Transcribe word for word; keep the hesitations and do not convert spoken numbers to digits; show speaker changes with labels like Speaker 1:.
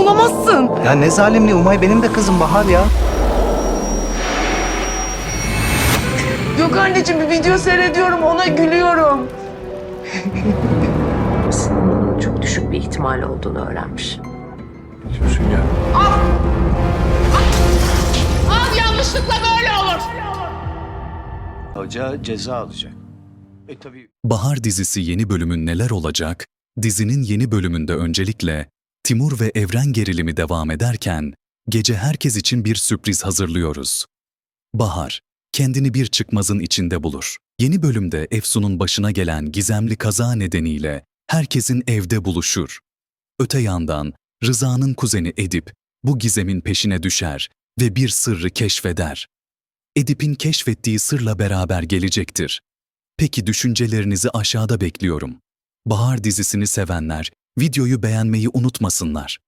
Speaker 1: olamazsın.
Speaker 2: Ya ne zalimliği Umay, benim de kızım Bahar ya.
Speaker 1: Yok anneciğim, bir video seyrediyorum, ona gülüyorum.
Speaker 3: Sınavının çok düşük bir ihtimal olduğunu öğrenmiş.
Speaker 4: Diyorsun ya.
Speaker 1: Al, yanlışlıkla böyle olur.
Speaker 4: Hoca ceza alacak. E tabii.
Speaker 5: Bahar dizisi yeni bölümün neler olacak? Dizinin yeni bölümünde öncelikle Timur ve Evren gerilimi devam ederken gece herkes için bir sürpriz hazırlıyoruz. Bahar kendini bir çıkmazın içinde bulur. Yeni bölümde Efsun'un başına gelen gizemli kaza nedeniyle herkesin evde buluşur. Öte yandan Rıza'nın kuzeni Edip bu gizemin peşine düşer ve bir sırrı keşfeder. Edip'in keşfettiği sırla beraber gelecektir. Peki düşüncelerinizi aşağıda bekliyorum. Bahar dizisini sevenler videoyu beğenmeyi unutmasınlar.